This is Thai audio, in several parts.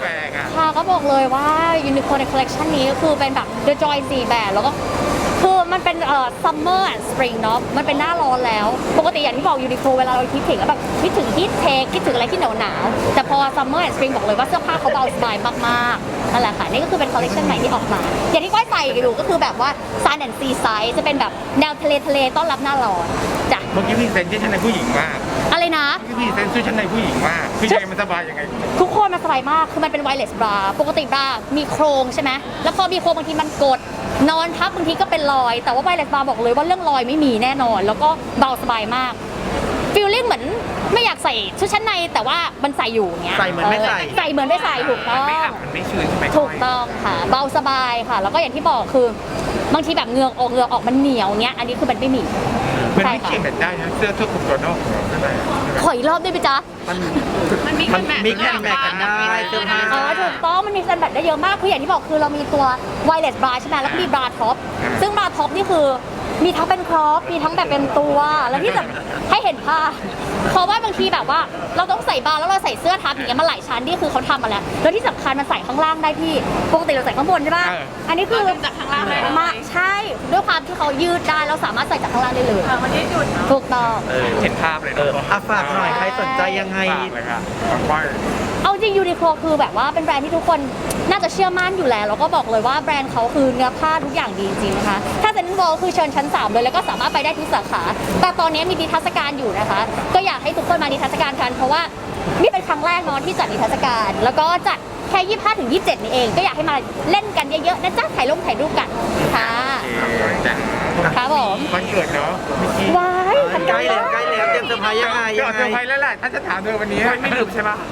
แปลกอ่ะค่ะก็บอกเลยว่ายูนิโคในคอลเลคชันนี้ก็คือเป็นแบบ The Joy 4แบบแล้วก็คือมันเป็นsummer and spring เนาะมันเป็นหน้าร้อนแล้วปกติอย่างที่บอกยูนิโคเวลาเราคิดถึงแบบคิดถึงฮีทเทคคิดถึงอะไรที่หนาวๆแต่พอ summer and spring บอกเลยว่าเสื้อผ้าเขาเบาสบายมากๆนั่นแหละค่ะนี่ก็คือเป็นคอลเลคชันใหม่ที่ออกมาอย่างที่ก้อยใส่อยู่ก็คือแบบว่า sun and sea side จะเป็นแบบแนวทะเลต้อนรับหน้าร้อนจ้ะเมื่อกี้พี่เซนที่ชั้นในผู้หญิงมากอะไรนะเมื่อกี้พี่เซนชื่อชั้นในผู้หญิงมากคือใจมันสบายยังไงทุกคนมันสบายมาก คือมันเป็นไวเลสบราปกติบรามีโครงใช่ไหม แล้วพอมีโครงบางทีมันกด นอนทับบางทีก็เป็นรอย แต่ว่าไวเลสบราบอกเลยว่าเรื่องรอยไม่มีแน่นอน แล้วก็เบาสบายมากฟีลลิ่งเหมือนไม่อยากใส่ชุดชั้นในแต่ว่ามันใส่อยู่เงี้ยใส่เหมือนไม่ใส่ใส่เหมือนไม่ใส่ถูกต้องไม่อับมันไม่ชื้นใช่ไหมถูกต้องค่ะ เบาสบายค่ะ แล้วก็อย่างที่บอกคือบางทีแบบเหงือกออกมันเหนียวเงี้ย อันนี้คือมันไม่มีมันไม่เขียนแบบได้นะเสื้อทั่วคลุมตัวนอกของเราใช่ไหมขออีกรอบได้ไหมจ๊ะมันมีแข่งแมทกันได้เสื้อผ้าถูกต้องมันมีซันแบตได้เยอะมากคืออย่างที่บอกคือเรามีตัวไวเลสบราใช่ไหมแล้วก็มีบราท็อปซึ่งบราท็อปนี่คือมีทั้งเป็นครอปมีทั้งแบบเป็นตัวแล้วที่จะให้เห็นผ้าเพราะว่าบางทีแบบว่าเราต้องใส่บราแล้วเราใส่เสื้อทับอย่างเงี้ยมาหลายชั้นนี่คือเขาทำมาแล้วแล้วที่สำคัญมันใส่ข้างล่างได้พี่ปกติเราใส่ข้างบนใช่ป่ะอันนี้คือจากข้างล่างได้มาใช่ด้วยความที่เขายืดได้เราสามารถใส่จากข้างล่างได้เลยมันยืดหยุ่นถูกต้องเห็นภาพเลยเอเนาะอฝากหน่อยใครสนใจยังไงฝากเลยค่ะฝากไว้เอาจริงยูนิโคลคือแบบว่าเป็นแบรนด์ที่ทุกคนน่าจะเชื่อมั่นอยู่แล้วแล้วก็บอกเลยว่าแบรนด์เขาคือเนื้อผ้าทุกอย่างดีจริงๆนะคะถ้าเซ็นทรัลเวิลด์คือเชิญชั้น 3เลยแล้วก็สามารถไปได้ทุกสาขาแต่ตอนนี้มีนิทรรศการอยู่นะคะก็อยากให้ทุกคนมานิทรรศการกันเพราะว่านี่เป็นครั้งแรกเนาะที่จัดนิทรรศการแล้วก็จัดแค่25 ถึง 27นี่เองก็อยากให้มาเล่นกันเยอะๆนะจ๊ะถ่ายรูปกันค่ะจ้ะครับผมวันเกิดเนาะเมื่อกี้ว้ายใกล้แล้วเตรียมเซอร์ไพรส์ยังไงก็เซอร์ไพรส์แล้วแหละถ้าจะถามเธอวันนี้ไม่ลืมใช่ปะ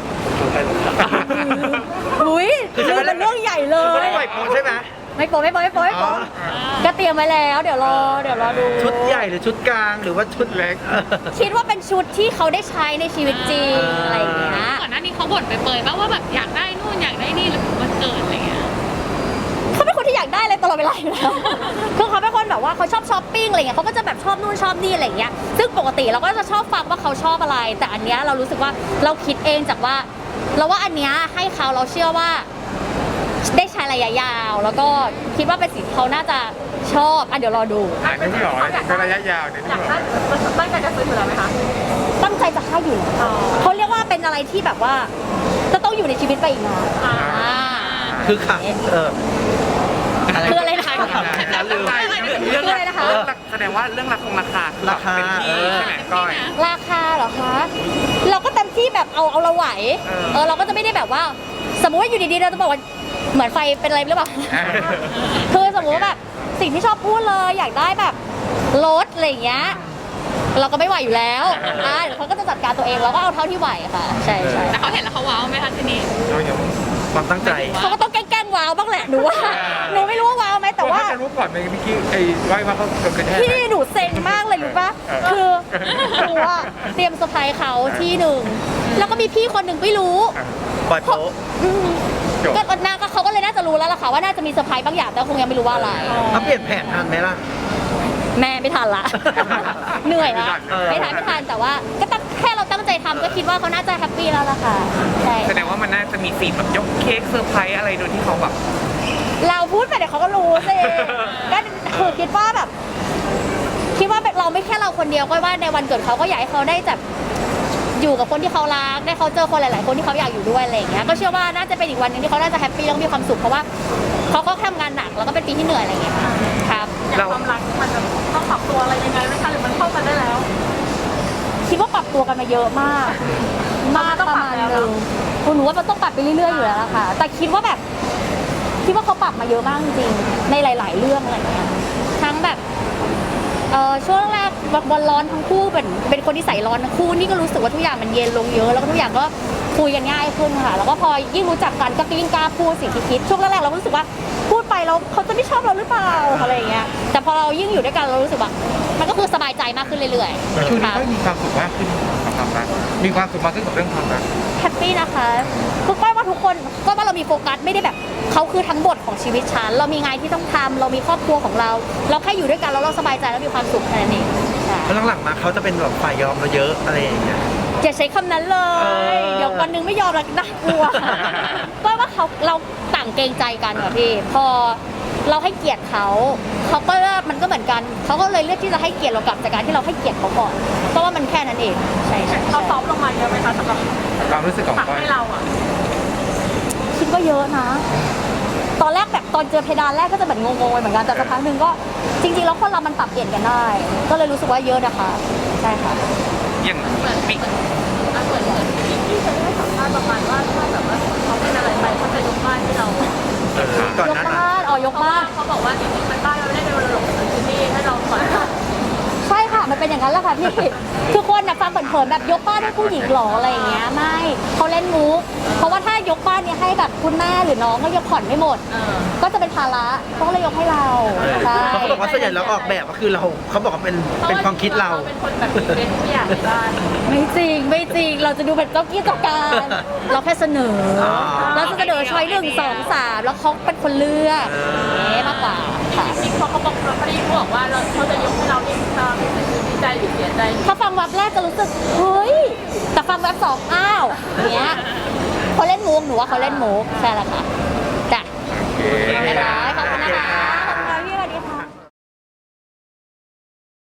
อุ้ยคือเป็นเรื่องใหญ่เลไม่ได้ยปล่อยโพสใช่ไหมไม่โป๊ก็เตรียมไว้แล้วเดี๋ยวรอดูชุดใหญ่หรือชุดกลางหรือว่าชุดเล็กคิดว่าเป็นชุดที่เขาได้ใช้ในชีวิตจริงอะไรอย่างเงี้ยก่อนหน้านี้เขาบ่นไปเปยๆป่ะว่าแบบอยากได้นู่นอยากได้นี่หรือวันเกิดอะไรเงี้ยเขาเป็นคนที่อยากได้อะไรตลอดเวลาอยู่แล้วคือเขาเป็นคนแบบว่าเขาชอบช้อปปิ้งอะไรเงี้ยเขาก็จะแบบชอบนู่นชอบนี่อะไรเงี้ยซึ่งปกติเราก็จะชอบฟังว่าเขาชอบอะไร แต่อันเนี้ยเรารู้สึกว่าเราคิดเองจากว่าเราว่าอันเนี้ยให้เขาเราเชื่อว่าได้ใช้ระยะยาวแล้วก็คิดว่าเป็นสิ่งที่เขาน่าจะชอบเดี๋ยวรอดูนึกไม่ออกเลยเป็นระยะยาวเนี่ยนึกไม่ออกตั้งใจจะซื้ออยู่แล้วไหมคะตั้งใจจะให้อยู่แล้วเขาเรียกว่าเป็นอะไรที่แบบว่าจะต้องอยู่ในชีวิตไปอีกนานคือค่ะคืออะไรนะคะลืมคืออะไรนะคะแสดงว่าเรื่องราคาราคาเป็นที่ใช่ไหมก้อยราคาเหรอคะ เราก็เต็มที่แบบเอาเราไหวเราก็จะไม่ได้แบบว่า สมมุติว่าอยู่ดีๆเราจะบอกว่าเหมือนไฟเป็นอะไรหรือเปล่า คือสมมุติว่าแบบสิ่งที่ชอบพูดเลยอยากได้แบบรถอะไรอย่างเงี้ยเราก็ไม่ไหวอยู่แล้วเดี๋ยวเขาก็จะจัดการตัวเองเราก็เอาเท่าที่ไหวค่ะใช่แต่เขาเห็นแล้วเขาว้าวไหมคะทีนี้เรายังความตั้งใจเขาก็ต้องแกล้งว้าวบ้างแหละหนูว่าหนูไม่รู้ว่าว้าวไหมแต่ว่าจะรู้ก่อนเมื่อกี้ไอ้ไว้ว่าเขาโดนกระแทกพี่หนูเซ็งมากเลยรู้ป่ะคือหนูอะเตรียมเซอร์ไพรส์เขาที่หนึ่งแล้วก็มีพี่คนหนึ่งไม่รู้ปล่อยโพสก็น่าก็เขาก็เลยน่าจะรู้แล้วล่ะค่ะว่าน่าจะมีเซอร์ไพรส์บางอย่างแต่คงยังไม่รู้ว่าอะไรเขาเปลี่ยนแผนทันไหมล่ะแม่ไม่ทันละ เหนื่อยละไม่ไม่ทัทันนไม่ทันแต่ว่าก็ตั้งแค่เราตั้งใจทำก็คิดว่าเขาน่าจะแฮปปี้แล้วล่ะค่ะใช่แสดงว่ามันน่าจะมีซีนแบบยกเค้กเซอร์ไพรส์อะไรโดยที่เขาแบบเราพูดไปเดี๋ยวเขาก็รู้สิก็คือคิดว่าแบบคิดว่าเราไม่แค่เราคนเดียวก็ว่าในวันเกิดเขาก็อยากให้เขาได้แบบอยู่กับคนที่เขารักได้เขาเจอคนหลายๆคนที่เขาอยากอยู่ด้วยอะไรอย่างเงี้ยก็เชื่อว่าน่าจะเป็นอีกวันหนึงที่เขาน่าจะแฮปปี้แล้วก็มีความสุขเพราะว่าเขาก็ทำงานหนักแล้วก็เป็นปีที่เหนื่อยอะไรอย่างเงี้ยค่ะครับอย่างความรักมันจะต้องปรับตัวอะไรยังไงไหมคะหรือมันเข้ากันได้แล้วคิดว่าปรับตัวกันมาเยอะมากประมาณนึงหนูว่ามันต้องปรับไปเรื่อยๆอยู่แล้วล่ะค่ะ แต่คิดว่าเขาปรับมาเยอะมากจริงๆในหลาย ๆ เรื่องอะไรอย่างเงี้ยทั้งแบบช่วงแรกวันร้อนทั้งคู่เป็นคนที่ใส่ร้อนทั้งคู่นี่ก็รู้สึกว่าทุกอย่างมันเย็นลงเยอะแล้วก็ทุกอย่างก็คุยกันง่ายขึ้นค่ะแล้วก็พอยิ่งรู้จักกันก็ยิ่งกล้าพูดสิ่งที่คิดช่วงแรกๆเราก็รู้สึกว่าพูดไปแล้วเขาจะไม่ชอบเราหรือเปล่าอะไรอย่างเงี้ยแต่พอเรายิ่งอยู่ด้วยกันเรารู้สึกว่ามันก็คือสบายใจมากขึ้นเรื่อยๆช่วงนี้ค่ะก็มีความสุขมากขึ้นกับความรักมีความสุขมากขึ้นกับเรื่องความรักแฮปปี้นะคะคือก้อยว่าทุกคนก้อยว่าเรามีโฟกัสไม่ได้แบบเขาคือทั้งบทของชีวิตฉันเรามีงานที่ต้องทำเรามีครอบครัวของเราเราแค่อยู่ด้วยกันแล้วเราสบายใจแล้วมีความสุขแค่นั้นเองใช่แล้วหลังๆมาเขาจะเป็นแบบฝ่ายยอมเราเยอะอะไรอย่างเงี้ยอย่าใช้คำนั้นเลย เดี๋ยววันหนึงไม่ยอมแล้วน่ากลัว ก็ว่าเราต่างเกรงใจกันค่ะพี่ พอเราให้เกียรติเขาก็มันก็เหมือนกันเขาก็เลยเลือกที่จะให้เกียรติเรากลับจากการที่เราให้เกียรติเขาก่อนก็ว่ามันแค่นั้นเองใช่เขาซอฟต์ลงมาเยอะไหมคะสำหรับความรู้สึกของปักก้อยให้เราอ่ะคิดว่าเยอะนะ ตอนแรกแบบตอนเจอเพดานแรกก็จะแบบงงๆไปเหมือนกันแต่สักพักหนึ่งก็จริงๆแล้วคนเรามันปรับเปลี่ยนกันได้ ก็เลยรู้สึกว่าเยอะนะคะใช่ค่ะอย่างมีเหมือนที่เคยให้สัมภาษณ์ประมาณว่าถ้าแบบว่าเขาเป็นอะไรไปเขาจะยกบ้านให้เราก่อนยกหน้านั้นบ้านยกบ้านเขาบอกว่าจริงๆมันบ้านเราไม่ได้เป็นมรดกของที่นี่ให้เราผ่อนใช่ค่ะ มันเป็นอย่างนั้นแหละค่ะพี่ ทุกคนนะฟังเผินๆแบบยกบ้านให้ผู้หญิงหรออะไรอย่างเงี้ย ไม่เขาเล่นมุก เพราะว่าถ้ายกบ้านเนี่ยให้แบบคุณแม่หรือน้องก็ยกผ่อนไม่หมด ก็จะเป็นภาระเขาก็เลยยกให้เราใช่เพราะเขาบอกว่าส่วนใหญ่เราออกแบบก็คือเขาบอกว่าเป็นความคิดเราเป็นคนแบบเป็นผู้ใหญ่ในบ้านไม่จริงไม่จริง เราจะดูเป็นเจ้ากี้เจ้าการ เราแค่เสนอ เราจะเสนอช้อย1 2 3แล้วเขาเป็นคนเลือกอย่างเงี้ยมากกว่าค่ะจริงๆเขาบอกเขาได้บอกว่าเขาจะยกให้เราที่ดีใจหรือเสียใจถ้าฟังแวบแรกจะรู้สึกเฮ้ยแต่ฟังแวบสองอ้าวอย่างเงี้ยเขาเล่นมุกหนูว่าเขาเล่นมุกใช่แหละค่ะ